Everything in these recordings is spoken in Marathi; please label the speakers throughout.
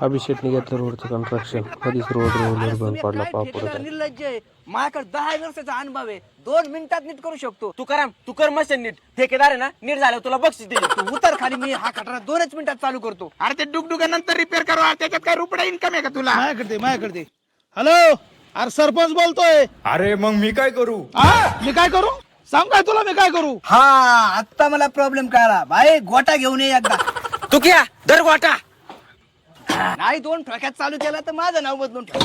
Speaker 1: अभिषेकने घेतलं रोडचं कन्स्ट्रक्शन. कधीच रोड बंद पडला पापड.
Speaker 2: निर्लज्ज आहे. माझ्याकडे 10 वर्षाचा अनुभव आहे. 2 मिनिटात नीट करू शकतो.
Speaker 3: तू कर मशीन नीट. ठेकेदार आहे ना, नीट झालं तुला बक्षीस दिले.
Speaker 2: तू उतर खाली, मी हा खटारा 2च मिनिटात चालू करतो.
Speaker 4: अरे ते डुगडुगानंतर रिपेअर करू, त्याच्यात काय रुपये इन्कम आहे का तुला?
Speaker 5: माझ्याकडे हॅलो, अरे सरपंच बोलतोय.
Speaker 6: अरे मग मी काय करू?
Speaker 5: मी काय करू सांग, काय तुला मी काय करू?
Speaker 2: हा, आता मला प्रॉब्लेम कळला. भाई गोटा घेऊन ये एकदा.
Speaker 3: तू क्या दर गोटा.
Speaker 2: नाही 2 ठोक्यात चालू केला तर माझं नाव बदलून ठेव.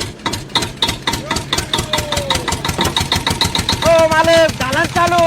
Speaker 3: हो मालक, झाला चालू.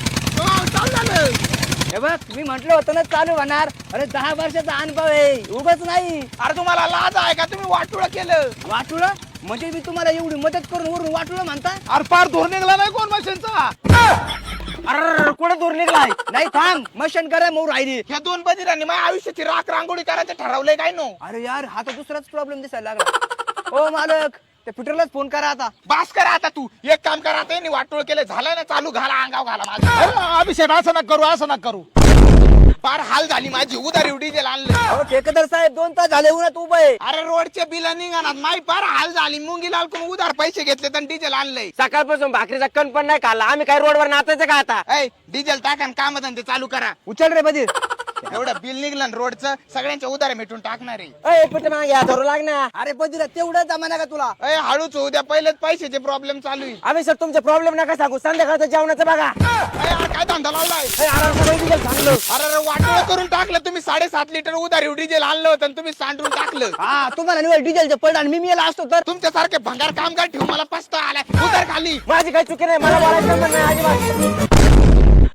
Speaker 2: हे बघ, मी म्हंटल होतं ना चालू होणार. अरे 10 वर्षाचा अनुभव आहे, उगाच नाही.
Speaker 4: अरे तुम्हाला लाज आहे का? तुम्ही वाटोळं केलं.
Speaker 2: वाटुळ म्हणजे मी तुम्हाला एवढी मदत करून वरून वाटुळ म्हणता?
Speaker 5: अरे पार धोर निघला नाही कोण मशीनचा.
Speaker 3: अरे कुठे दूर निघलाय?
Speaker 2: नाही थांब, मशन करा मोर राहिली.
Speaker 4: ह्या 2 बदिरांनी माझ्या आयुष्याची राख रांगोळी करायचं ठरवलंय काय नो?
Speaker 2: अरे यार, हा तर दुसराच प्रॉब्लेम दिसायला लागला. ओ मालक, त्या पीटरलाच फोन करा आता.
Speaker 4: बास करा आता. तू एक काम करा, आता यांनी वाटोळ केलं, झालं ना चालू, घाला अंगाव घाला माझं.
Speaker 5: अभिषेक असं नका करू, असं नका करू.
Speaker 4: फार हाल झाली माझी. उधारी डिझेल आणलं.
Speaker 2: अहो ठेकेदार साहेब, 2 तास झाले उन्हात उभं आहे.
Speaker 4: अरे रोडचे बिल निघाणार, माही फार हाल झाली. मुंगी लाल करून उधार पैसे घेतले तर डिझेल आणलंय.
Speaker 3: सकाळपासून भाकरीचा कण पण नाही खाल्ला. आम्ही काय रोडवर नाचायचं का आता?
Speaker 4: ऐ डिझेल टाका, काम धंदे चालू करा.
Speaker 2: उचल रे बधीर.
Speaker 4: एवढं बिल निघलं ना रोडचं, सगळ्यांच्या उधार मिटून टाकणार आहे.
Speaker 3: ए पिठ मागे धरू लागणार.
Speaker 2: अरे बधीर, तेवढं जमाना का तुला?
Speaker 4: ऐ हळूच होऊ द्या, पहिलेच पैशाचे प्रॉब्लेम चालू आहे.
Speaker 3: आम्ही सर तुमचे प्रॉब्लेम नका सांगू. संध्याकाळचं जेवणाचं बघा.
Speaker 4: ऐ, अरे काय धंदा लावलाय?
Speaker 3: सांगलो.
Speaker 4: अरे वाटोळं करून टाकलं तुम्ही. 7.5 लिटर उधारी डिझेल आणलं होतं आणि तुम्ही सांडून टाकलं.
Speaker 2: हा, तुम्हाला निवड डिझेलचं पड आणि मी मेला असतो तर.
Speaker 4: तुमच्यासारखे भंगार कामगार ठेवून मला पस्ता आलाय. उधार खाली.
Speaker 3: माझी काही चुकी नाही. मला बोलायचं पण नाही अजिबात.